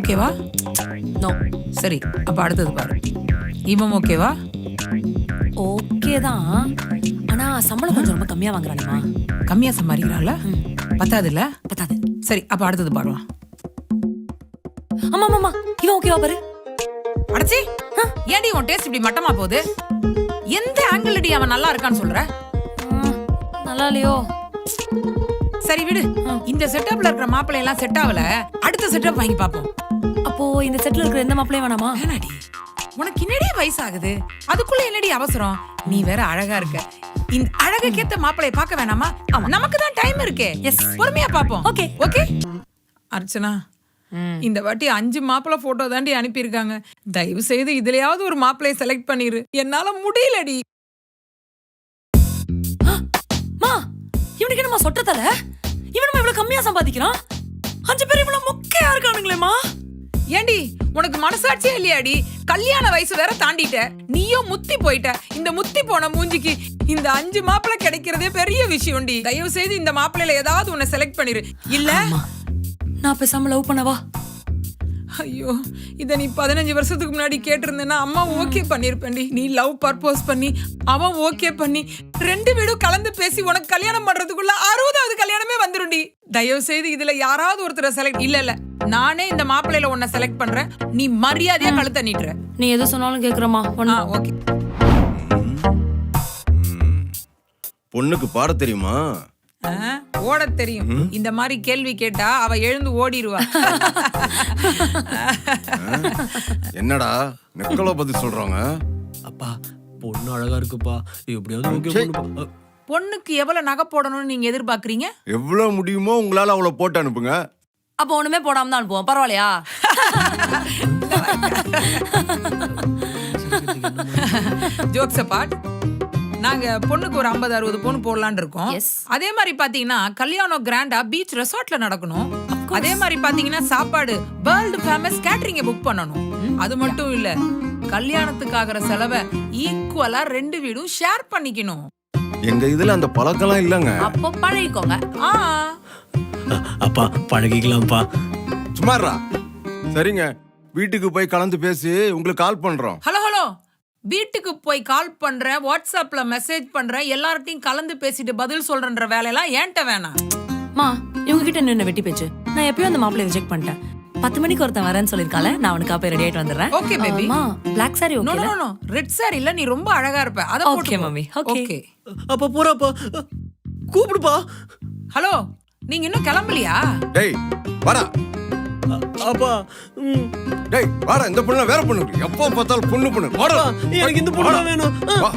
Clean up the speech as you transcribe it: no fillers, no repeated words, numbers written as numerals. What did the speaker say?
ஓகேவா? நோ. சரி, அப்ப அடுத்தது பாரு. இவன் ஓகேவா? ஓகே தான். ஆனா சம்பளம் கொஞ்சம் ரொம்ப கம்மியா வாங்குறானேமா. கம்மியா சம்பாதிக்கிறாள். பத்தாது இல்ல? பத்தாது. சரி, அப்ப அடுத்தது பாருவான். ஆமா ஆமா, இவன் ஓகேவா பாரு. அடச்சி, ஏன்டி உன் டேஸ்ட் இப்படி மட்டமா போகுது? எந்த ஆங்கிள் அடி அவன் நல்லா இருக்கான்னு சொல்ற? நல்லா இல்லையோ? சரி விடு. இந்த செட்டப்ல இருக்கிற மாப்பிள்ளை எல்லாம் செட் ஆகல. அடுத்த செட்டப் வாங்கி பாப்போம். அப்போ இந்த செட்ல இருக்கிற எந்த மாப்பிளையும் வேணாமா? வேணாடி, உனக்கு என்னடி வயசாகுது, அதுக்குள்ள என்னடி அவசரம்? நீ வேற அழகா இருக்க. இந்த அழகுக்கேத்த மாப்பிளைய பார்க்க வேணாமா? நமக்கு தான் டைம் இருக்கே. எஸ், பொறுமையா பாப்போம். Okay okay. அர்ச்சனா, இந்த வாட்டி 5 மாப்பிள்ளை போட்டோ தாண்டி அனுப்பியிருக்காங்க. தயவு செய்து இதுலயாவது ஒரு மாப்பிளைய செலக்ட் பண்ணிரு. என்னால முடியலடி. மா, இவனுக்கு என்னமா சொட்டத்தல? இவனுமா இவ்வளவு கம்மியா சம்பாதிக்கிறான்? 5 பேர் இவ்வளவு மொக்கையா இருக்கானுங்களேமா? ஏண்டி, உனக்கு மனசாட்சியே இல்லையாடி? கல்யாண வயசு வேற தாண்டிட்ட. நீயும் முத்தி போயிட்ட. இந்த முத்தி போன மூஞ்சிக்கு இந்த 5 மாப்பிள்ளை கிடைக்கிறதே பெரிய விஷயம்டி. தயவு செய்து இந்த மாப்பிள்ளையில ஏதாவது உன்னை செலக்ட் பண்ணிரு. இல்ல நான் பேசாம லவ் பண்ணவா? ஐயோ, இத நீ 15 வருஷத்துக்கு முன்னாடி கேட்டிருந்தேன்னா அம்மா ஓகே பண்ணிருப்பேன்டி. நீ லவ் பர்போஸ் பண்ணி அவன் ஓகே பண்ணி 2 வீடும் கலந்து பேசி உனக்கு கல்யாணம் பண்றதுக்குள்ள 60வது கல்யாணமே வந்துருண்டி. தயவு செய்து இதுல யாராவது ஒருத்தரை செலக்ட். இல்ல நானே இந்த மாப்பிள்ளையில உன்னை செலக்ட் பண்றேன். நீ மரியாதையா கழுத்த நீட்டுற. நீ எது சொன்னாலும் கேக்குறமா? ஓகே. பொண்ணுக்கு பாட தெரியுமா? ஓட தெரியும். இந்த மாதிரி கேள்வி கேட்டா அவ எழுந்து ஓடிடுவா. என்னடா நெக்கலோ பதில் சொல்றாங்க? அப்பா பொண்ணு அழகா இருக்குப்பா, எப்படியாவது ஓகே பண்ணுப்பா. பொண்ணுக்கு எவ்வளவு நகை போடணும்னு நீங்க எதிர்பார்க்கறீங்க? எவ்வளவு முடியுமோ உங்களால அவளை போட்டு அனுப்புங்க. அப்ப ஒண்ணுமே போடாம தான் அனுப்புவோம். பரவாயில்லையா? ஜோக்ஸ் அபார்ட், நாங்க பொண்ணுக்கு ஒரு 50-60 பொண்ணு போடலான்னு இருக்கோம். அதே மாதிரி பாத்தீங்கன்னா கல்யாணம் கிராண்டா பீச் ரெசார்ட்ல நடக்கணும். அதே மாதிரி பாத்தீங்கன்னா சாப்பாடு வேர்ல்டு ஃபேமஸ் கேட்டரிங்க புக் பண்ணணும். அது மட்டும் இல்ல, கல்யாணத்துக்காகிற செலவை ஈக்குவலா 2 வீடும் ஷேர் பண்ணிக்கணும். எங்க இதுல அந்த பழக்கம்லாம் இல்லங்க. அப்போ பழகிக்கோங்க. அப்பா பழகிக்கலாம்ப்பா. சும்மாறா. சரிங்க, வீட்டுக்கு போய் கலந்து பேசி உங்களுக்கு கால் பண்றோம். ஹலோ ஹலோ, வீட்டுக்கு போய் கால் பண்றேன், வாட்ஸ்அப்ல மெசேஜ் பண்றேன், எல்லார்ட்டையும் கலந்து பேசிட்டு பதில் சொல்றன்ற வேலையெல்லாம் ஏன்ட்ட வேணாம். மா, இவங்க கிட்ட என்ன வெட்டி பேச்சு? நான் எப்பயும் அந்த மாப்பிளைய ரிஜெக்ட் பண்ணிட்டேன். 10 மணிக்கு ஒருத்தன் வரேன்னு சொல்லிருக்கால, நான் அவனுக்கு அப்ப ரெடி ஆயிட்டு வந்துடுறேன். Okay baby. மா, black sari okay? No no, red sari இல்ல, நீ ரொம்ப அழகா இருப்ப. அத போட்டு. Okay mummy, okay. அப்பா போறாப்பா, கூப்பிடுப்பா. ஹலோ, நீங்க இன்னும் கிளம்பலையா? டேய் வாடா. அப்பா டேய் வாடா, இந்த பொண்ணு வேற பொண்ணு. எப்போ பார்த்தாலும் பொண்ணு. வாடா, எனக்கு இந்த பொண்ணு வேணும்.